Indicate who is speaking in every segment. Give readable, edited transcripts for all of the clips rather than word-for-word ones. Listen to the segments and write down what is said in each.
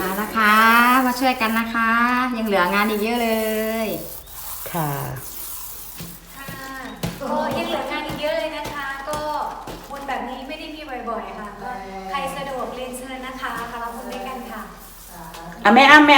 Speaker 1: มานะคะมาช่วยกันนะคะ ยังเหลืองานอีกเยอะเลย
Speaker 2: ค่ะ
Speaker 3: ก็ยังเหลืองานอีกเยอะเลยนะคะก็วันแบบนี้ไม่ได้มีบ่อยๆค่ะก็ใครสะดวกเรียนเชิญนะคะมารับบุญด้วยกันค่ะ
Speaker 2: แม่อ้ำ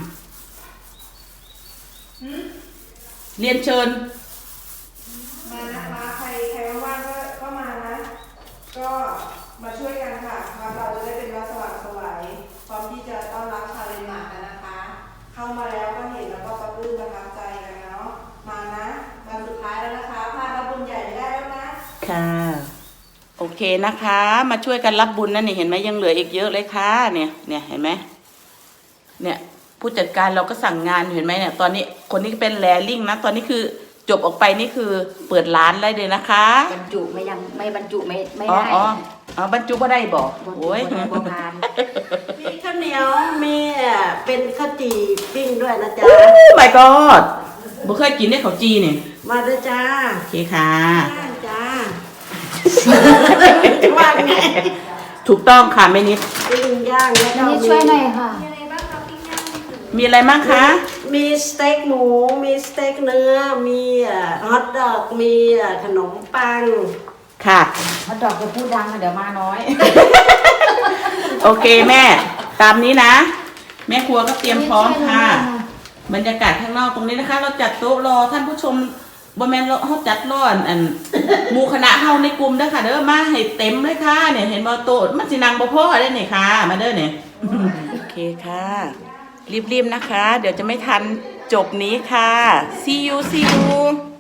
Speaker 2: เรียนเชิญ
Speaker 4: มาใครว่างก็มานะก็มาช่วยกันค่ะเราจะได้เป็นวัดสว่างไสวพร้อมที่จะต้อนรับชาวเดนมาร์กนะคะเข้ามาแล้วก็เห็นแล้วก็ปลื้มประทับใจกันเนาะมานะวันสุดท้ายแล้วนะคะพลาดรับบุญใหญ่ไม่ได้แล้วนะ
Speaker 2: ค่ะโอเคนะคะมาช่วยกันรับบุญนั่นนี่เห็นไหมยังเหลืออีกเยอะเลยค่ะเนี่ยเห็นไหมเนี่ยผู้จัดการเราก็สั่งงานเห็นไหมเนี่ยตอนนี้คนนี้เป็นแลลิ่งนะตอนนี้คือจบออกไปนี่คือเปิดร้านได้เลยนะคะ
Speaker 1: บรรจุไม่บรรจุไม่
Speaker 2: อ๋
Speaker 1: ได้
Speaker 2: บรรจุก็ได้บอกโอ้ย
Speaker 4: มีข้าวเหนียวมีเป็นข้าวจี่ปิ้งด้วยนะจ๊ะ
Speaker 2: my god บ่เคยกินได้ข้าวจีเนี่ย
Speaker 4: มาด้วยจ้า
Speaker 2: โอเคค่ะ
Speaker 4: จ้าว่าไง
Speaker 2: ถูกต้องค่ะแม่นิด
Speaker 4: ปิ้งย่างแล้วก็
Speaker 1: นี่ช่วยหน่อยค่ะ
Speaker 3: มีอะไรบ้างคะปิ้งย่าง
Speaker 2: มีอะไรบ้างคะ
Speaker 4: มีสเต็กหมูมีสเต็กเนื้อมีฮอทดอกมีขนมปัง
Speaker 2: ค่ะ
Speaker 1: มาดอกจะพูดดังเดี๋ยวมาน้อย
Speaker 2: โอเคแม่ตามนี้นะแม่ครัวก็เตรียมพร้อมค่ะบรรยากาศข้างนอกตรงนี้นะคะเราจัดโต๊ะรอท่านผู้ชมบ่แม่นเราจัดรอหมู่คณะเฮาในกลุ่มเด้อค่ะเด้อมาให้เต็มเลยค่ะเนี่ยเห็นบ่โต๊ะมันสินั่งบ่พอได้นี่ค่ะมาเด้อเนี่ยโอเคค่ะรีบๆนะคะเดี๋ยวจะไม่ทันจบนี้ค่ะ see you